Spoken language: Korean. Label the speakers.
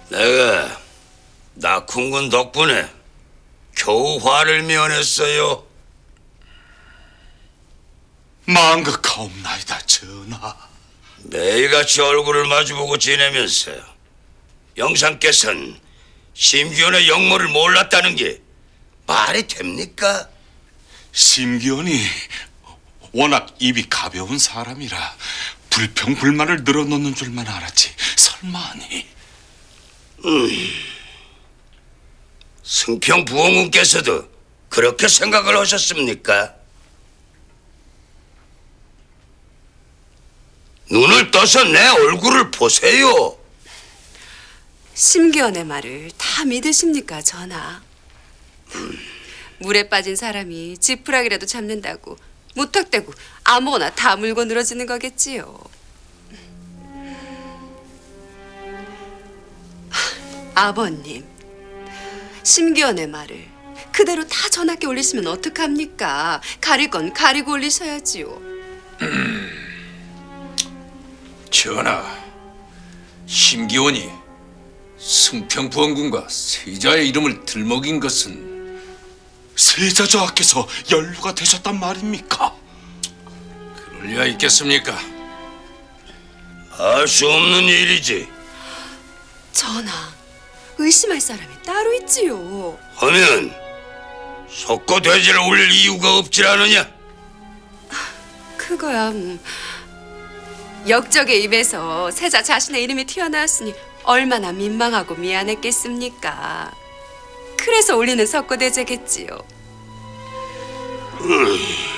Speaker 1: 내가 낙훈군 덕분에 겨우 화를 면했어요.
Speaker 2: 망극하옵나이다 전하.
Speaker 1: 매일같이 얼굴을 마주보고 지내면서 영상께서는 심기원의 역모를 몰랐다는 게 말이 됩니까?
Speaker 2: 심기원이 워낙 입이 가벼운 사람이라 불평불만을 늘어놓는 줄만 알았지 설마니.
Speaker 1: 승평 부원군께서도 그렇게 생각을 하셨습니까? 눈을 떠서 내 얼굴을 보세요.
Speaker 3: 심기원의 말을 다 믿으십니까, 전하? 물에 빠진 사람이 지푸라기라도 잡는다고 무턱대고 아무거나 다 물고 늘어지는 거겠지요. 아버님, 심기원의 말을 그대로 다 전하께 올리시면 어떡합니까? 가릴 건 가리고 올리셔야지요.
Speaker 4: 전하, 심기원이 승평부원군과 세자의 이름을 들먹인 것은
Speaker 2: 세자저하께서 연루가 되셨단 말입니까?
Speaker 4: 그럴 리가 있겠습니까?
Speaker 1: 알 수 없는 일이지.
Speaker 3: 전하, 의심할 사람이 따로 있지요.
Speaker 1: 하면 석고 돼지를 올릴 이유가 없질 않으냐?
Speaker 3: 그거야 역적의 입에서 세자 자신의 이름이 튀어나왔으니 얼마나 민망하고 미안했겠습니까. 그래서 올리는 석고대제겠지요.